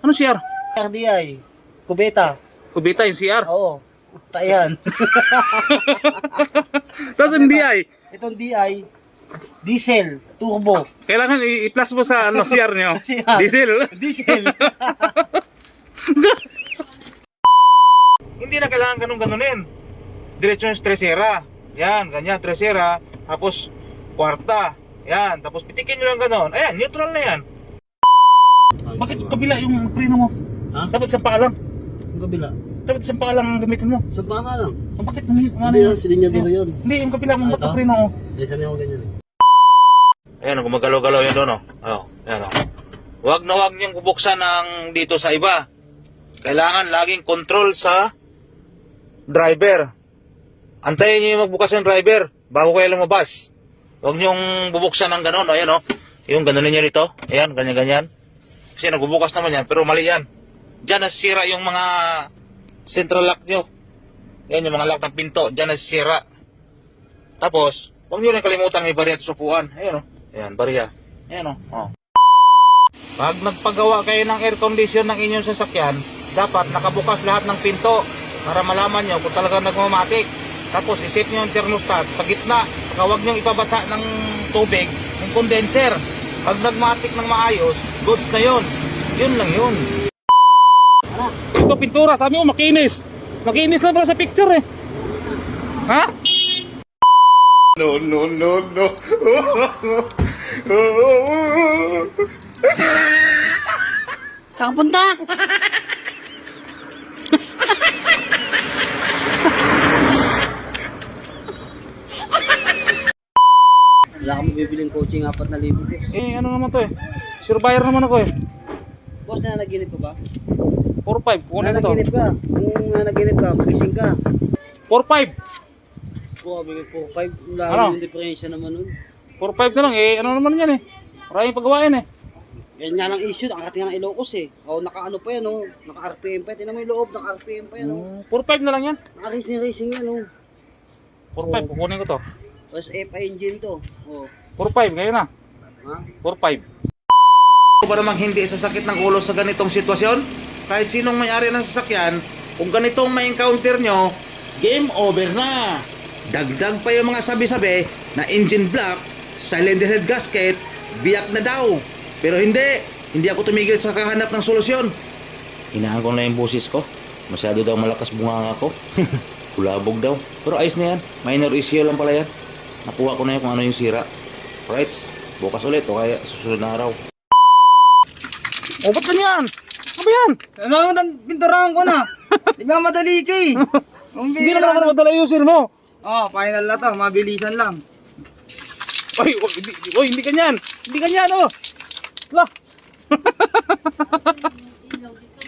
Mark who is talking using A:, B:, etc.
A: Ano CR?
B: RDI. Kubeta.
A: Kubita yung CR.
B: Oo. Tayan.
A: Tapos yung DI.
B: Itong DI. Diesel. Turbo.
A: Kailangan i-plus mo sa ano, CR nyo.
B: CR.
A: Diesel.
B: Diesel.
A: Hindi na kailangan ganun-ganunin. Diretso yung stresera. Yan, ganyan, stresera. Tapos, kwarta. Yan, tapos pitikin nyo lang ganon. Ayan, neutral na yan. Bakit kabila yung preno mo?
B: Ha?
A: Dapat isang paa lang.
B: Ang kabila.
A: Dapat isang paa lang ang gamitin mo.
B: Sa pana lang.
A: Bakit
B: Hindi yan, silinyado yun.
A: Hindi, yung kabila mo
B: Ito?
A: preno mo.
B: Hindi, sanay ako ganyan eh.
A: Ayan, gumagalaw-galaw yun doon, oh. Ayan, oh. Huwag na huwag niyong bubuksan ng dito sa iba. Kailangan laging control sa driver. Antayin niyo yung magbukas ng driver bago kayo lumabas. Huwag niyong bubuksan ng gano'n, ayan, oh. Yung gano'n niya rito. Ayan, ganyan-ganyan. Kasi nagbubukas naman yan, pero mali yan. Diyan nasisira yung mga central lock nyo. Yan, yung mga lock ng pinto. Diyan nasisira. Tapos, huwag nyo rin kalimutan may bariya at supuan. Ayan, oh. Ayan, bariya. Ayan, oh. Pag nagpagawa kayo ng air condition ng inyong sasakyan, dapat nakabukas lahat ng pinto para malaman nyo kung talaga nagmamatik. Tapos isip nyo yung thermostat sa gitna. Huwag nyo ipabasa ng tubig yung condenser. Pag nagmatik ng maayos, goods na yun. Yun lang yun. Ito pintura, sabi mo makinis. Makinis lang pala sa picture eh. Ha? No, no, no, no.
C: Saan ka punta?
B: Wala kami bibiling coaching 4,000 po.
A: Eh, ano naman to eh. Survivor naman ako eh.
B: Boss, nanaginip ka ba?
A: 4-5, kunin ko to.
B: Nanaginip ka. Kung nanaginip ka, magising ka.
A: 4-5.
B: Oo, bigay po. 5, dami
A: Ano?
B: yung diferensya naman nun.
A: 4-5 na lang eh. Ano naman yan eh. Maraming paggawain eh.
B: Yan nga lang issue, nakating ng Ilocos eh. O, naka-ano pa yan oh. Naka-RPM pa yan. Tingnan mo yung loob, naka-RPM pa yan oh.
A: 4-5 na lang yan.
B: Naka-racing yan oh.
A: 4-5, kukunin ko to.
B: Tapos FI engine to. Oh.
A: 4-5, ngayon na.
B: Ha?
A: 4-5. Ba namang hindi sasakit ng ulo sa ganitong sitwasyon? Kahit sinong may-ari ng sasakyan, kung ganitong ma-encounter nyo, game over na. Dagdag pa yung mga sabi-sabi na engine block, cylinder head gasket, biyak na daw. Pero hindi ako tumigil sa kahanap ng solusyon. Hinaan ko na yung busis ko. Masyado daw malakas bunganga ko. Kulabog daw. Pero ayos na yan. Minor issue lang pala yan. Nakuha ko na yun kung ano yung sira. Right? Bukas ulit o kaya susunod na araw. O, ba't ganyan? Ano ba yan?
B: Ano ang pinturahan ko na? Di ba madali ka eh?
A: Hindi naman ako madala ayusin mo.
B: Oh, final na to. Mabilisan lang.
A: Hindi ganyan. Hindi ganyan, oh. Lah.